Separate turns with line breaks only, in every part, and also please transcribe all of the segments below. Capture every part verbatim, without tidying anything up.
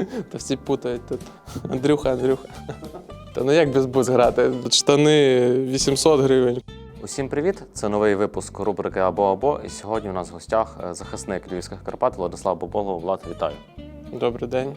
Та всі путають тут. Андрюха, Андрюха. Та ну як без бус грати? Штани вісімсот гривень.
Усім привіт! Це новий випуск рубрики «Або-або». І сьогодні у нас в гостях захисник Львівських Карпат Владислав Боболов. Влад, вітаю!
Добрий день.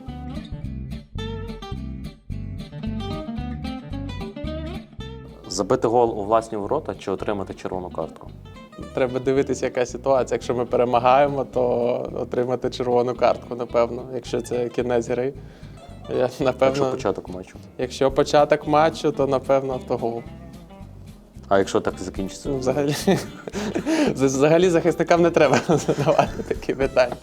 Забити гол у власні ворота чи отримати червону картку?
Треба дивитися, яка ситуація. Якщо ми перемагаємо, то отримати червону картку, напевно. Якщо це кінець гри. Я, напевно,
Якщо початок матчу?
Якщо початок матчу, то напевно автогол.
А якщо так закінчиться?
Ну, взагалі, взагалі захисникам не треба задавати такі питання.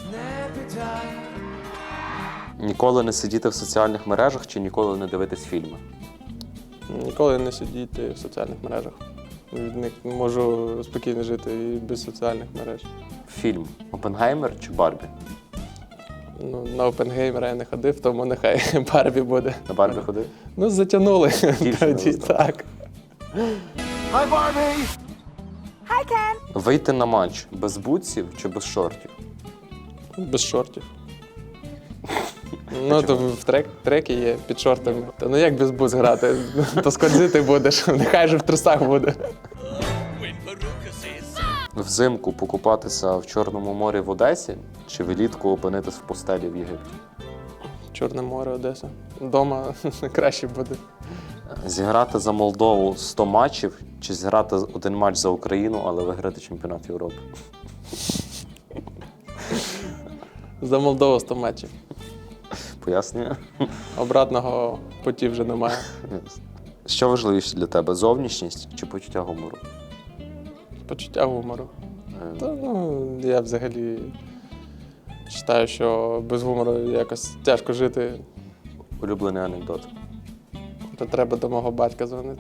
Ніколи не сидіти в соціальних мережах чи ніколи не дивитись фільми?
Ніколи не сидіти в соціальних мережах. Від них можу спокійно жити і без соціальних мереж.
Фільм «Опенгеймер» чи «Барбі»?
Ну, на Опенгеймера я не ходив, тому нехай Барбі буде.
На «Барбі» ходив?
Ну, затягнули
Дівчина
тоді,
застала.
так.
Hi, Barbie!
Hi, Ken!
Вийти на матч без бутсів чи без шортів?
Без шортів. Ну, то в трек, треки є під шортами. Та ну як без бус грати? То скользити будеш, нехай же в трусах буде.
Взимку покупатися в Чорному морі в Одесі чи влітку опинитись в пустелі в Єгипті?
Чорне море, Одеса. Дома краще буде.
Зіграти за Молдову сто матчів чи зіграти один матч за Україну, але виграти чемпіонат Європи?
За Молдову сто матчів.
Пояснюю.
Обратного путі вже немає.
Що важливіше для тебе, зовнішність чи почуття гумору?
Почуття гумору.
Е,
Та, ну, я взагалі вважаю, що без гумору якось тяжко жити.
Улюблений анекдот.
То треба до мого батька дзвонити.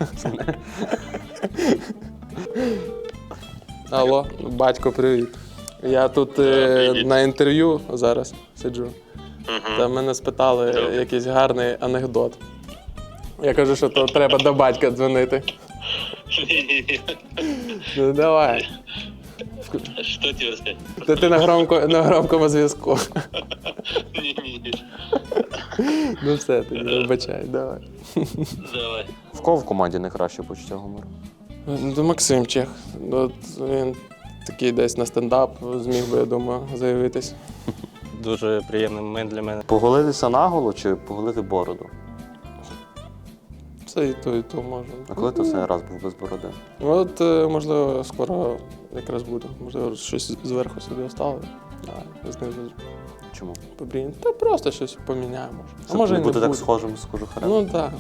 Алло, батько, привіт. Я тут е, на інтерв'ю зараз сиджу. Та мене спитали якийсь гарний анекдот. Я кажу, що то треба до батька дзвонити.
Не-не-не.
Ну давай.
Что тебе сказать?
Та ти на, громко, на громкому зв'язку.
Не-не-не.
Ну все, тоді вибачай, давай.
Давай.
В кого в команді найкраще почуття гумору?
Ну, Максим Чех. От він такий десь на стендап зміг би, я думаю, заявитись.
Дуже приємний момент для мене.
Поголитися наголо чи поголити бороду?
Це і то, і то може.
А коли ти останній раз був без бороди?
От, е, можливо, скоро якраз буде. Можливо, щось зверху собі оставили, а знизу
Чому?
побріємо. Та просто щось поміняємо. Може. А
Щоб
може
не
і не
бути так
буде.
схожим з кожухарем?
Ну так.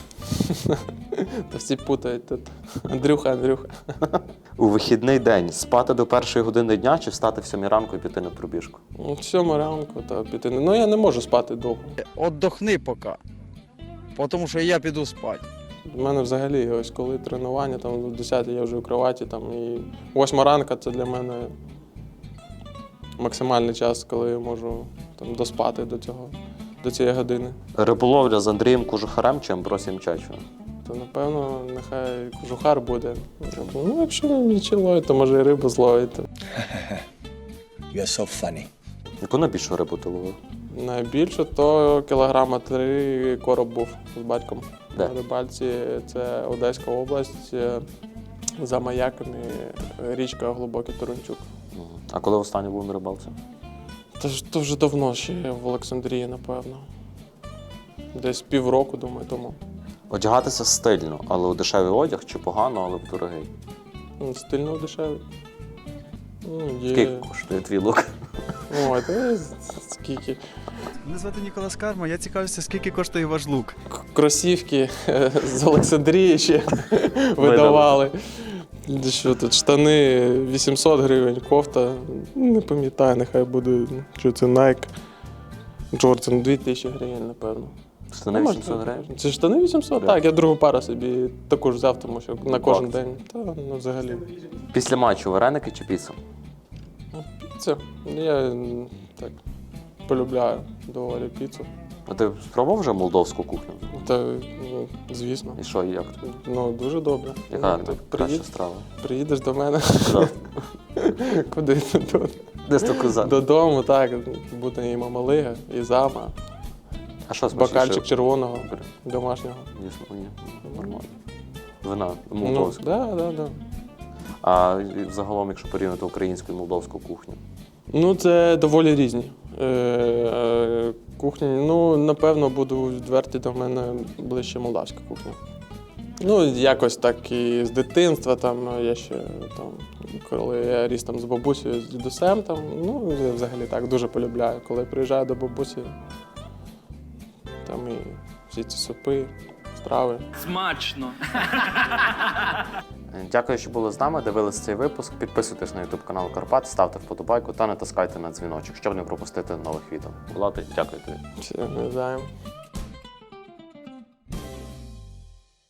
Та всі путають тут. Андрюха, Андрюха.
У вихідний день спати до першої години дня чи встати в сьомій ранку і піти на пробіжку?
Ну, в сьому ранку та піти. Ну я не можу спати довго.
Отдохни поки, тому що я піду спати.
У мене взагалі, ось коли тренування, там в десятій я вже у кроваті, там, і восьма ранка це для мене максимальний час, коли я можу там, доспати до цього, до цієї години.
Риболовля з Андрієм Кожухарем чи Амбросієм Чачевим?
То, напевно, нехай кожухар буде. Ну, якщо нічі ловить, то може і рибу зловити.
You're so funny.
Яку найбільшу рибу ти ловив?
Найбільше то кілограма три короб був з батьком.
Де?
На рибальці це Одеська область, е, за маяками річка Глибокий Торончук.
Мгм. А коли останній був на рибалці?
Та ж то вже давно ще в Олександрії, напевно. Десь півроку, думаю, тому.
Одягатися стильно, але у дешевий одяг чи погано, але в дорогий?
Ну, стильно дешевий. Ну, є.
Скільки коштує твій лук?
Ой, та скільки.
Мене звати Ніколас Карма, я цікавився, скільки коштує ваш лук.
К- Кросівки е, з Олександрії ще видавали. Що тут, штани вісімсот гривень, кофта, не пам'ятаю, нехай буде, що це Nike. Джордан дві тисячі гривень, напевно.
Штани
Ну, може,
вісімсот
так.
гривень?
Це штани вісімсот?
Да.
Так, я другу пару собі таку ж взяв, тому що на кожен
Акції.
день. Та, ну, взагалі.
Після матчу вареники чи піца?
Це, я м, так полюбляю доволі піцу.
А ти спробував вже молдовську кухню?
Та, ну, звісно.
І що, і як тобі?
Ну, дуже добре.
Яка
Ну, ти
краща
приїд-
страва?
Приїдеш до мене,
Куди?
куди тут?
Десь до коза.
Додому, так, буде і мамалига, і зама.
А що смачніше?
Бокальчик червоного,
Добре.
домашнього.
Дійсно, ні. Нормально. Вина
Ну,
молдовська.
да, да, да.
А загалом, якщо порівняти українську і молдовську кухню.
Ну, це доволі різні. Е, е, кухні, ну, напевно, буду відверті, до мене ближче молдавська кухня. Ну, якось так і з дитинства, там, я ще, там, коли я ріс там з бабусею, з дідусем, там, ну, я взагалі так дуже полюбляю. Коли приїжджаю до бабусі, там і всі ці супи, страви.
Смачно.
Дякую, що були з нами, дивились цей випуск. Підписуйтесь на ютуб канал Карпат, ставте вподобайку та натискайте на дзвіночок, щоб не пропустити нових відео. Влад, дякую тобі.
Все, не знаю.